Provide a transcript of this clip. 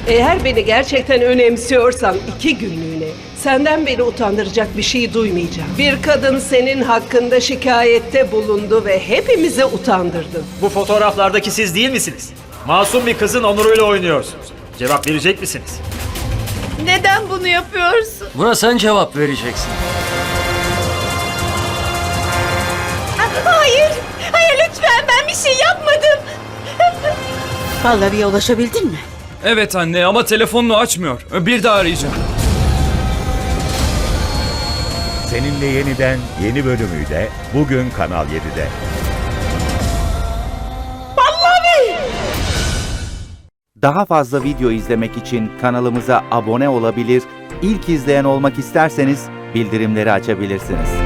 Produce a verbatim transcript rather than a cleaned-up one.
Eğer beni gerçekten önemsiyorsan iki günlüğüne senden beni utandıracak bir şey duymayacağım. Bir kadın senin hakkında şikayette bulundu ve hepimizi utandırdın. Bu fotoğraflardaki siz değil misiniz? Masum bir kızın onuruyla oynuyorsunuz. Cevap verecek misiniz? Neden bunu yapıyorsun? Buna sen cevap vereceksin. Hayır. Hayır lütfen, ben bir şey yapmadım. Pallavi'ye ulaşabildin mi? Evet anne ama telefonunu açmıyor. Bir daha arayacağım. Seninle Yeniden yeni bölümüyle bugün Kanal yedide. Daha fazla video izlemek için kanalımıza abone olabilir, ilk izleyen olmak isterseniz bildirimleri açabilirsiniz.